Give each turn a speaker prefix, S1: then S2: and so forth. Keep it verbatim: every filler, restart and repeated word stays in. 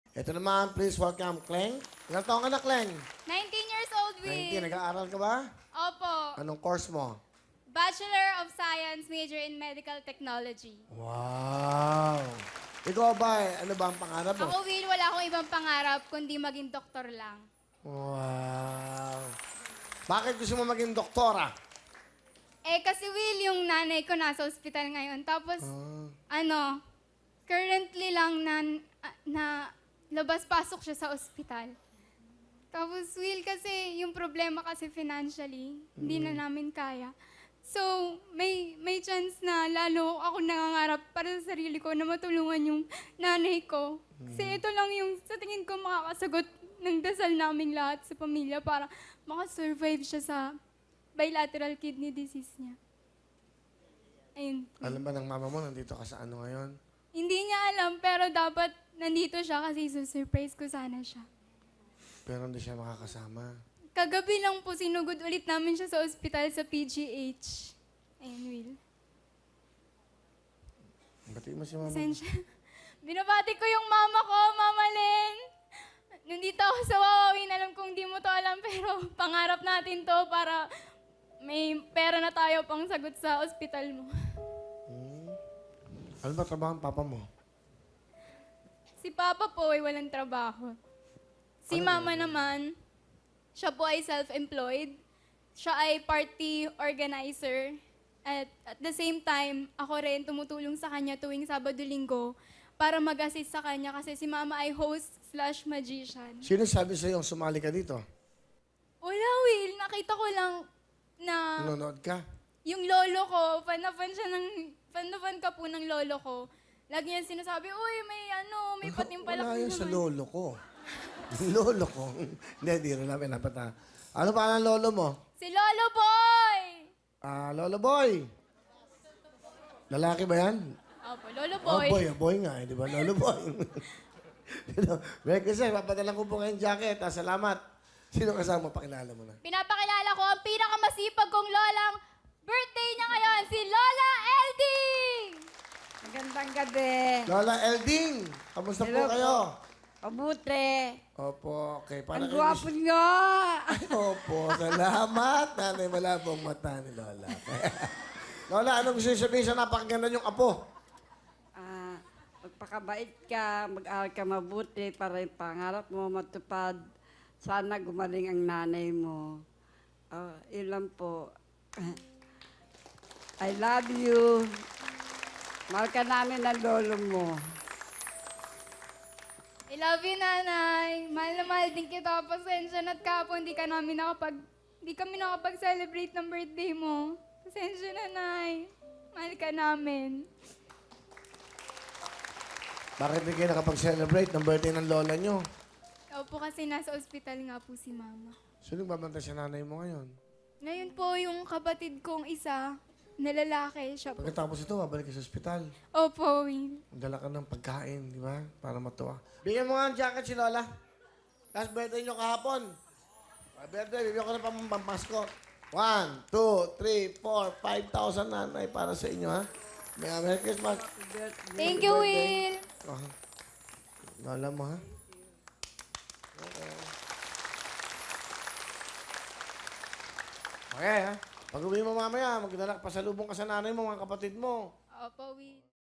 S1: Ito naman, please welcome Kleng. Ilang taong ka na, Kleng?
S2: nineteen years old, Will.
S1: nineteen. Nag-aaral ka ba?
S2: Opo.
S1: Anong course mo?
S2: Bachelor of Science, major in Medical Technology.
S1: Wow! Ikaw ba, eh, ano ba ang pangarap mo?
S2: Ako, Will, wala akong ibang pangarap kundi maging doktor lang.
S1: Wow! Bakit gusto mo maging doktora?
S2: Eh, kasi Will, yung nanay ko nasa ospital ngayon. Tapos,
S1: Ah.
S2: ano, currently lang na, na labas-pasok siya sa ospital. Tapos, Will, kasi yung problema kasi financially, hindi na namin kaya. So, may may chance na lalo ako nangangarap para sa sarili ko na matulungan yung nanay ko. Kasi ito lang yung sa tingin ko makakasagot ng dasal naming lahat sa pamilya para makasurvive siya sa bilateral kidney disease niya. Ayun.
S1: Alam ba ng mama mo, nandito ka sa ano ngayon?
S2: Hindi niya alam, pero dapat nandito siya kasi susurprise ko sana siya.
S1: Pero hindi siya makakasama.
S2: Kagabi lang po, sinugod ulit namin siya sa ospital sa P G H. Ayun, Will.
S1: Batiin mo si mama.
S2: Pasensya. Binabati ko yung mama ko, Mama Len. Nandito ako sa Wawawin. Alam kong di mo to alam, pero pangarap natin to para may pera na tayo pang sagot sa ospital mo.
S1: Ano ba trabaho ang papa mo?
S2: Si Papa po ay walang trabaho. Si Mama naman, siya po ay self-employed. Siya ay party organizer. At at the same time, ako rin tumutulong sa kanya tuwing Sabado-Linggo para mag-assist sa kanya kasi si Mama ay host slash magician.
S1: Sino sabi sa'yo sumali ka dito?
S2: Wala, Will. Nakita ko lang na
S1: Nanonood ka?
S2: yung lolo ko, fan na fan siya ng, fan na fan ka po ng lolo ko. Lagi niya sinasabi, uy, may ano, may patimpalak
S1: Wala
S2: na
S1: yan sa
S2: naman."
S1: lolo ko. Yung lolo ko. Hindi, di rin namin napata. Ano pa ang lolo mo?
S2: Si Lolo Boy!
S1: Ah, lolo boy. Lalaki ba yan?
S2: Opo, Lolo
S1: Oh,
S2: Boy.
S1: boy. Ah, boy nga, eh, di ba? Lolo boy. Sino? Merry Christmas, papadalan ko po ngayong jacket. Ah, salamat. Sino kasama? Pakilala mo na.
S2: Pinapakilala ko ang pinakamasipag kong lolang birthday niya ngayon, si Lola Elding!
S3: Magandang gabi.
S1: Lola Elding, kamusta po
S3: Hello po.
S1: kayo?
S3: Pabuti.
S1: Opo, okay. Para
S3: Ang
S1: kay
S3: gwapo
S1: Miss-
S3: nyo.
S1: Opo, salamat. Nanay, malabong mata ni Lola. Lola, ano gusto niyo sabihin sa napakaganda niyong apo?
S3: Ah, magpakabait ka, mag-aaral ka mabuti para yung pangarap mo matupad. Sana gumaling ang nanay mo. Ah, yun lang po. I love you. Mahal ka namin ang lolo mo.
S2: I love you, Nanay. Mahal na mahal din kita. Pasensya na't kapon, hindi ka namin nakapag... Hindi kami nakapag-celebrate ng birthday mo. Pasensya na, Nay. Mahal ka namin.
S1: Bakit hindi kayo nakapag-celebrate ng birthday ng lola niyo?
S2: Opo, kasi nasa ospital nga po si Mama.
S1: Sino babantay sa nanay mo ngayon?
S2: Ngayon po, yung kapatid kong isa, na lalaki, siya po.
S1: Pagkatapos ito, babalik ka sa ospital.
S2: Opo, Will.
S1: Dala ka ng pagkain, di ba? Para matuwa. Bigyan mo nga ang jacket si Lola. Last birthday niyo kahapon. Ah, birthday, bibigyan ko na pang pampasko. One, two, three, four, five thousand nanay para sa inyo, ha? May Merry Christmas.
S2: Thank you, Will.
S1: Oh. Lola mo, ha? Okay. Okay, ha? Pag uwi mo mamaya, magdala, pasalubong ka sa nanay mo, mga kapatid mo.
S2: Opo, Will.